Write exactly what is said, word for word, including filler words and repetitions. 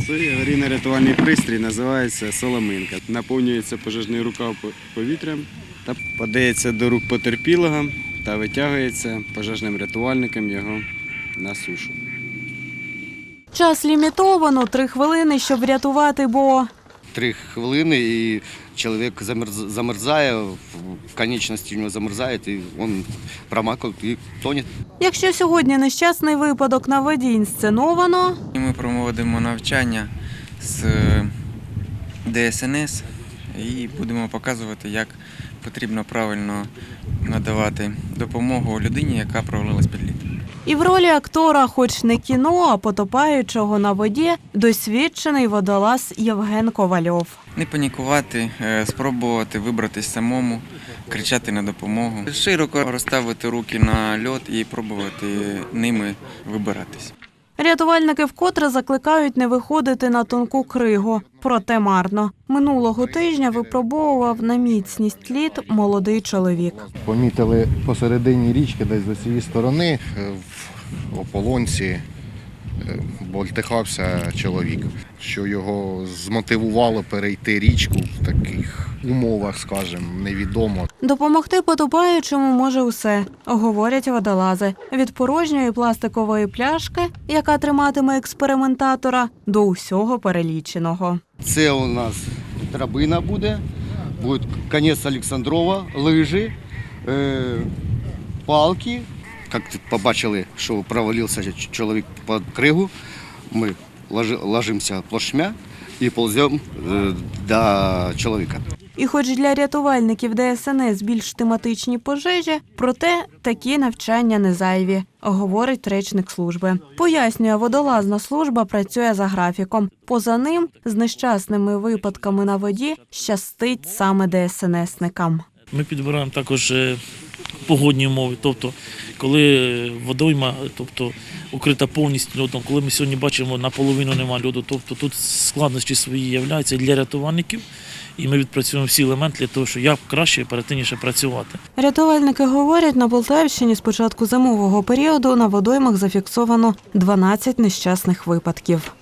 Це аварійно-рятувальний пристрій, називається соломинка. Наповнюється пожежний рукав повітрям та подається до рук потерпілого та витягується пожежним рятувальником його на сушу. Час лімітовано – три хвилини, щоб врятувати, бо... Три хвилини і чоловік замерзає, в конечності у нього замерзає, і він промокає і тоне. Якщо сьогодні нещасний випадок на воді інсценовано... Ми проводимо навчання з Д С Н С і будемо показувати, як потрібно правильно надавати допомогу людині, яка провалилась під лід. І в ролі актора, хоч не кіно, а потопаючого на воді, досвідчений водолаз Євген Ковальов. Не панікувати, спробувати вибратись самому, кричати на допомогу. Широко розставити руки на льод і пробувати ними вибиратись. Рятувальники вкотре закликають не виходити на тонку кригу. Проте марно. Минулого тижня випробовував на міцність лід молодий чоловік. Помітили посередині річки, десь з цієї сторони, в ополонці болтихався чоловік, що його змотивувало перейти річку в таких умовах, скажімо, невідомо. Допомогти потопаючому може усе, говорять водолази. Від порожньої пластикової пляшки, яка триматиме експериментатора, до усього переліченого. Це у нас драбина буде, буде конець Олександрова, лижі, е, палки. Як побачили, що провалився чоловік під кригу, ми ложимося плашмя і повземо до чоловіка. І хоч для рятувальників Д С Н С більш тематичні пожежі, проте такі навчання не зайві, говорить речник служби. Пояснює, водолазна служба працює за графіком. Поза ним з нещасними випадками на воді щастить саме Д С Н С-никам. Ми підбираємо також погодні умови, тобто коли водойма, тобто укрита повністю льодом, коли ми сьогодні бачимо, наполовину немає льоду, тобто тут складнощі свої являються для рятувальників, і ми відпрацюємо всі елементи для того, щоб як краще і оперативніше працювати. Рятувальники говорять, на Полтавщині з початку зимового періоду на водоймах зафіксовано дванадцять нещасних випадків.